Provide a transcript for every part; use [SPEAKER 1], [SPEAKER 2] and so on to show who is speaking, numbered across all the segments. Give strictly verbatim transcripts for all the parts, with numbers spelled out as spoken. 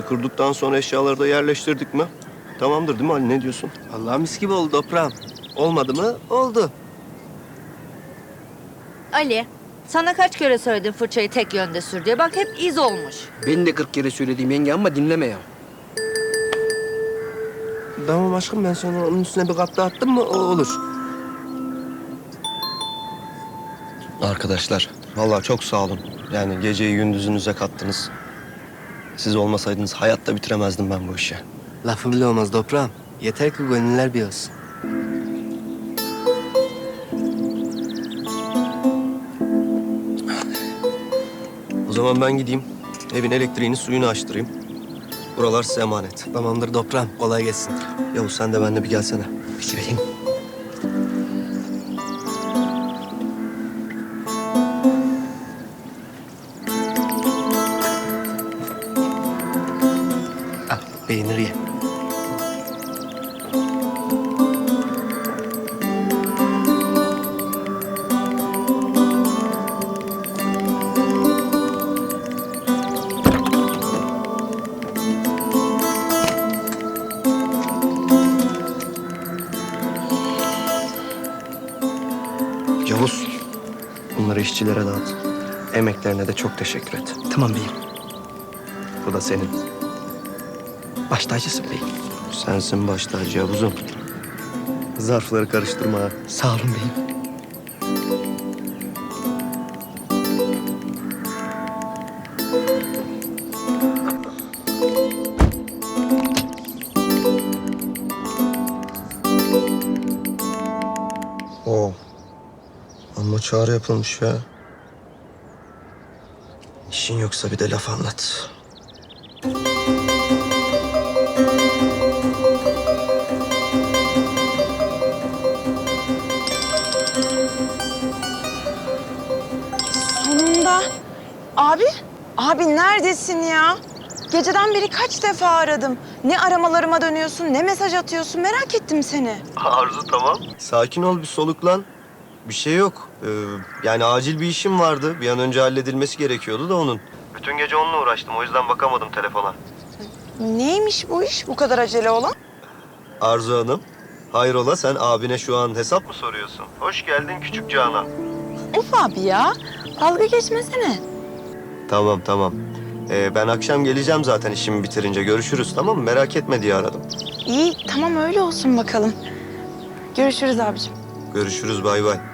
[SPEAKER 1] kurduktan sonra eşyaları da yerleştirdik mi? Tamamdır değil mi Ali? Ne diyorsun?
[SPEAKER 2] Allah mis gibi oldu toprağım. Olmadı mı? Oldu.
[SPEAKER 3] Ali, sana kaç kere söyledim fırçayı tek yönde sür diye. Bak hep iz olmuş.
[SPEAKER 4] Ben de kırk kere söylediğim yenge ama dinleme ya.
[SPEAKER 2] Tamam aşkım, ben sonra onun üstüne bir kat daha attım mı o olur.
[SPEAKER 1] Arkadaşlar, vallahi çok sağ olun. Yani geceyi gündüzünüze kattınız. Siz olmasaydınız hayatta bitiremezdim ben bu işi.
[SPEAKER 2] Lafı bile olmaz toprağım. Yeter ki gönüller bir olsun.
[SPEAKER 1] O zaman ben gideyim. Evin elektriğini, suyunu açtırayım. Buralar size emanet.
[SPEAKER 2] Tamamdır toprağım. Kolay gelsin.
[SPEAKER 1] Yavuz sen de benimle bir gelsene.
[SPEAKER 4] Bitireyim.
[SPEAKER 2] Al peynir ye.
[SPEAKER 1] Yavuz, bunları işçilere dağıt. Emeklerine de çok teşekkür et.
[SPEAKER 4] Tamam beyim.
[SPEAKER 1] Bu da senin.
[SPEAKER 4] Baş tacısın beyim.
[SPEAKER 1] Sensin baş tacı Yavuz'um. Zarfları karıştırma ha.
[SPEAKER 4] Sağ olun beyim.
[SPEAKER 1] Oo. Amma çağrı yapılmış ya. İşin yoksa bir de laf anlat.
[SPEAKER 5] Sonunda. Abi, abi neredesin ya? Geceden beri kaç defa aradım. Ne aramalarıma dönüyorsun, ne mesaj atıyorsun. Merak ettim seni.
[SPEAKER 1] Arzu tamam. Sakin ol, bir soluklan. Bir şey yok. Ee, yani acil bir işim vardı. Bir an önce halledilmesi gerekiyordu da onun. Bütün gece onunla uğraştım. O yüzden bakamadım telefona.
[SPEAKER 5] Neymiş bu iş bu kadar acele olan?
[SPEAKER 1] Arzu Hanım, hayrola sen abine şu an hesap mı soruyorsun? Hoş geldin küçük Canan.
[SPEAKER 5] Uf abi ya, dalga geçmesene.
[SPEAKER 1] Tamam tamam. Ee, ben akşam geleceğim zaten işimi bitirince. Görüşürüz tamam mı? Merak etme diye aradım.
[SPEAKER 5] İyi, tamam öyle olsun bakalım. Görüşürüz abicim.
[SPEAKER 1] Görüşürüz bay bay.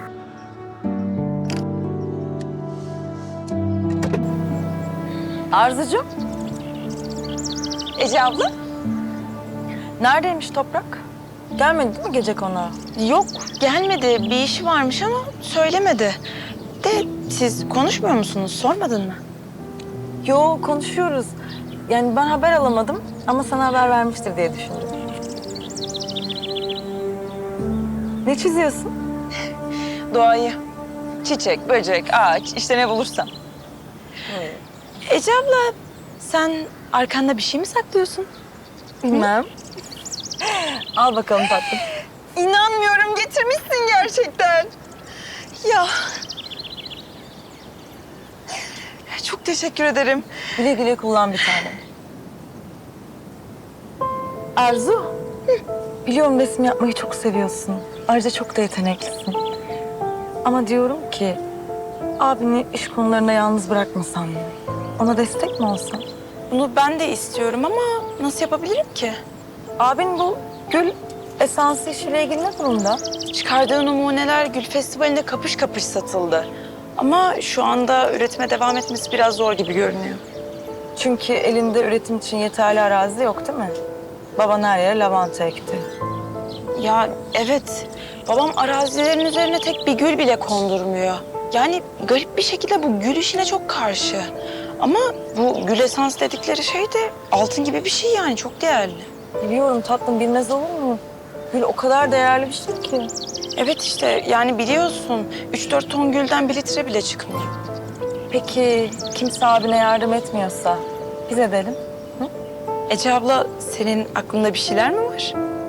[SPEAKER 6] Arzucuğum,
[SPEAKER 5] Ece abla?
[SPEAKER 6] neredeymiş Toprak? Gelmedi değil mi gece konağa?
[SPEAKER 5] Yok, gelmedi. Bir işi varmış ama söylemedi. De siz konuşmuyor musunuz? Sormadın mı?
[SPEAKER 6] Yo, konuşuyoruz. Yani ben haber alamadım ama sana haber vermiştir diye düşündüm. Ne çiziyorsun?
[SPEAKER 5] Doğayı. Çiçek, böcek, ağaç, işte ne bulursam. Ece abla, sen arkanda bir şey mi saklıyorsun?
[SPEAKER 6] Bilmem. Al bakalım tatlım.
[SPEAKER 5] İnanmıyorum, getirmişsin gerçekten. Ya. Çok teşekkür ederim.
[SPEAKER 6] Güle güle kullan bir tane. Arzu, biliyorum resim yapmayı çok seviyorsun. Ayrıca çok da yeteneklisin. Ama diyorum ki, abini iş konularında yalnız bırakmasan mı? Ona destek mi olsan?
[SPEAKER 5] Bunu ben de istiyorum ama nasıl yapabilirim ki?
[SPEAKER 6] Abin bu gül esansı işiyle ilgili ne durumda?
[SPEAKER 5] Çıkardığı numuneler Gül Festivali'nde kapış kapış satıldı. Ama şu anda üretime devam etmesi biraz zor gibi görünüyor.
[SPEAKER 6] Çünkü elinde üretim için yeterli arazi yok değil mi? Baban her yere lavanta ekti.
[SPEAKER 5] Ya evet, babam arazilerin üzerine tek bir gül bile kondurmuyor. Yani garip bir şekilde bu gül işine çok karşı. Ama bu gül esans dedikleri şey de altın gibi bir şey yani, çok değerli.
[SPEAKER 6] Biliyorum tatlım, bilmez olur mu? Gül o kadar değerli bir şey ki.
[SPEAKER 5] Evet işte yani biliyorsun, üç dört ton gülden bir litre bile çıkmıyor.
[SPEAKER 6] Peki kimse abine yardım etmiyorsa biz edelim.
[SPEAKER 5] Ece abla, senin aklında bir şeyler mi var?